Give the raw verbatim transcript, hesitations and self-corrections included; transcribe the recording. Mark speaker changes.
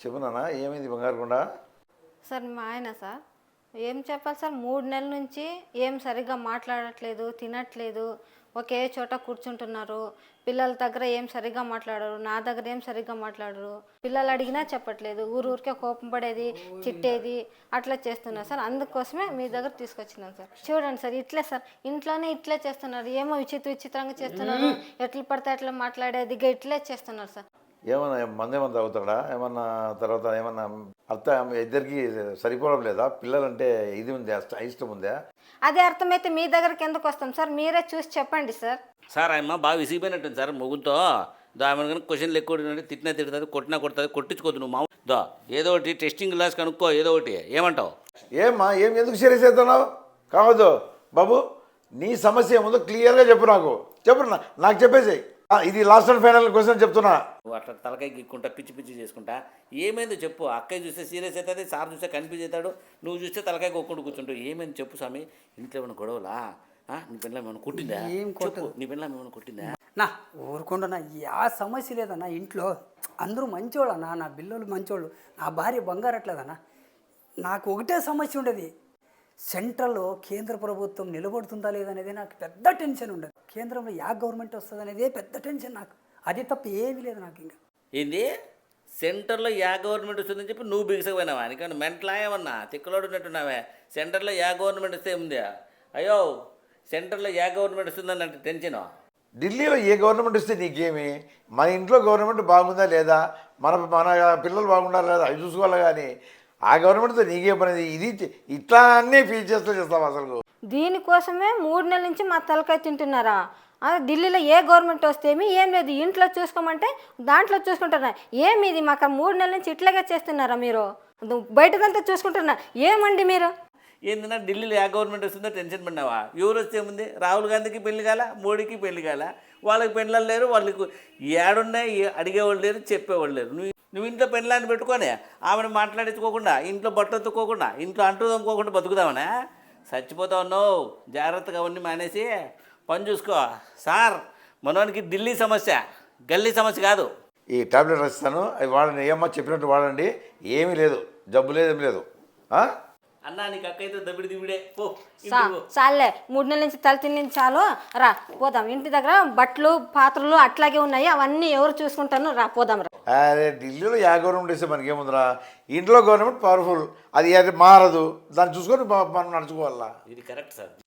Speaker 1: చెప్పు నాన్న, ఏమైంది బంగారు కొండ?
Speaker 2: సార్ మా ఆయన సార్ ఏం చెప్పాలి సార్, మూడు నెలల నుంచి ఏం సరిగ్గా మాట్లాడట్లేదు, తినట్లేదు, ఒకే చోట కూర్చుంటున్నారు. పిల్లల దగ్గర ఏం సరిగ్గా మాట్లాడరు, నా దగ్గర ఏం సరిగ్గా మాట్లాడరు. పిల్లలు అడిగినా చెప్పట్లేదు, ఊరు ఊరికే కోపం పడేది, చిట్టేది అట్లా చేస్తున్నారు సార్. అందుకోసమే మీ దగ్గర తీసుకొచ్చినాను సార్. చూడండి సార్, ఇట్లే సార్, ఇంట్లోనే ఇట్లే చేస్తున్నారు. ఏమో విచిత్ర విచిత్రంగా చేస్తున్నారు, ఎట్లా పడితే అట్లా మాట్లాడేది ఇట్లే చేస్తున్నారు సార్.
Speaker 1: ఏమన్నా మందేమన్నా తాగుతాడా ఏమన్నా? తర్వాత ఏమన్నా అర్థం ఇద్దరికి సరిపోవడం లేదా? పిల్లలంటే ఇది ఉందా, ఇష్టం ఉందా?
Speaker 2: అదే అర్థమైతే మీ దగ్గరికి ఎందుకు వస్తాం సార్? మీరే చూసి చెప్పండి సార్.
Speaker 3: సార్ ఆయమ్మ బాగా విసిగిపోయినట్టుంది సార్ మొగుతో. దా ఆమె కనుక క్వశ్చన్లు ఎక్కువ అడిగినట్టు తిట్టినా తిడుతుంది, కొట్టినా కొడుతుంది, కొట్టించుకోద్దు నువ్వు మామూలు. దా ఏదో ఒకటి టెస్టింగ్ గ్లాస్ కనుక్కో, ఏదో ఒకటి. ఏమంటావు?
Speaker 1: ఏమ్మా, ఏం ఎందుకు సీరియస్ అవుతున్నావు? కావద్దు బాబు, నీ సమస్య ఏముందో క్లియర్గా చెప్పు. నాకు చెప్పు, నాకు చెప్పేసి. ఇది లాస్ట్ అండ్ ఫైనల్ క్వశ్చన్ చెప్తున్నా.
Speaker 3: నువ్వు అట్లా తలకాయ గిక్కుంటా, పిచ్చి పిచ్చి చేసుకుంటా ఏమైందో చెప్పు. అక్కయ్య చూస్తే సీరియస్ అవుతుంది, సార్ చూస్తే కన్ఫ్యూజ్ అవుతాడు, నువ్వు చూస్తే తలకాయ కొక్కుంటూ కూర్చుంటావు. ఏమైంది చెప్పు స్వామి. ఇంట్లో ఏమైనా గొడవలా? నీ పిల్ల ఏమైనా కొట్టిందా?
Speaker 4: ఏం కొట్టదు.
Speaker 3: నీ పిల్ల ఏమైనా కొట్టిందా?
Speaker 4: నా ఊరుకుంటున్నా, యా సమస్య లేదన్నా. ఇంట్లో అందరూ మంచోళ్ళు అన్న, నా పిల్లలు మంచోళ్ళు, నా భార్య బంగారట్లేదన్నా. నాకు ఒకటే సమస్య ఉండేది, సెంట్రల్లో కేంద్ర ప్రభుత్వం నిలబడుతుందా లేదనేది నాకు పెద్ద టెన్షన్ ఉండదు. కేంద్రంలో యా గవర్నమెంట్ వస్తుంది అనేదే పెద్ద టెన్షన్ నాకు. అది తప్ప ఏమీ లేదు నాకు. ఇంకా
Speaker 3: ఏంది సెంటర్లో యా గవర్నమెంట్ వస్తుందని చెప్పి నువ్వు బిగిసపోయినావా? నీకన్నా మెంటలా ఏమన్నా తిక్కలోడు ఉన్నట్టున్నావే. సెంటర్లో యా గవర్నమెంట్ వస్తే ఏముంది? అయ్యో సెంటర్లో యా గవర్నమెంట్ వస్తుందని అంటే టెన్షన్.
Speaker 1: ఢిల్లీలో ఏ గవర్నమెంట్ వస్తే నీకేమి? మన ఇంట్లో గవర్నమెంట్ బాగుందా లేదా, మన మన పిల్లలు బాగుండాలి లేదా, అవి చూసుకోవాలి. కానీ ఆ గవర్నమెంట్తో నీకే పని? ఇది ఇట్లా అన్నీ ఫీల్ చేస్తూ చేస్తాం అసలు.
Speaker 2: దీనికోసమే మూడు నెలల నుంచి మా తలకాయ తింటున్నారా? ఢిల్లీలో ఏ గవర్నమెంట్ వస్తేమి ఏం లేదు, ఇంట్లో చూసుకోమంటే దాంట్లో చూసుకుంటారా? ఏమి ఇది మాకు మూడు నెలల నుంచి ఇట్లాగే చేస్తున్నారా మీరు? బయటదంతా చూసుకుంటున్నా ఏమండి మీరు?
Speaker 3: ఏంటన్నా ఢిల్లీలో యా గవర్నమెంట్ వస్తుందో టెన్షన్ పడినావా? ఎవరు వస్తే ఏముంది? రాహుల్ గాంధీకి పెళ్లి కాల, మోడీకి పెళ్లి కాల, వాళ్ళకి పెళ్ళలు లేరు, వాళ్ళకి ఏడున్నాయి అడిగేవాళ్ళు లేరు, చెప్పేవాళ్ళు లేరు. నువ్వు నువ్వు ఇంట్లో పెళ్ళాన్ని పెట్టుకొని ఆమెను మాట్లాడించుకోకుండా, ఇంట్లో బట్టలు ఎత్తుకోకుండా, ఇంట్లో అంటూ తమ్ముకోకుండా బతుకుదామనే చచ్చిపోతా ఉన్నావు. జాగ్రత్తగా అవన్నీ మానేసి పని చూసుకో. సార్ మనోనికి ఢిల్లీ సమస్య గల్లీ సమస్య కాదు.
Speaker 1: ఈ టాబ్లెట్ రాస్తాను, అవి వాడండి. ఏమో చెప్పినట్టు వాడండి. ఏమీ లేదు, జబ్బు లేదు, ఏమి లేదు.
Speaker 3: అన్నా నీకు అక్కయితే దబ్బిడి దివిడే పో.
Speaker 2: చాలే, మూడు నెలల నుంచి తల తిని చాలు, రా పోదాం. ఇంటి దగ్గర బట్టలు పాత్రలు అట్లాగే ఉన్నాయి, అవన్నీ ఎవరు చూసుకుంటాను, రా పోదాం రా.
Speaker 1: అదే ఢిల్లీలో యా గవర్నమెంట్ వస్తే మనకేముందిరా? ఇంట్లో గవర్నమెంట్ పవర్ఫుల్, అది అది మారదు, దాన్ని చూసుకొని మనం నడుచుకోవాలా.
Speaker 3: ఇది కరెక్ట్ సార్.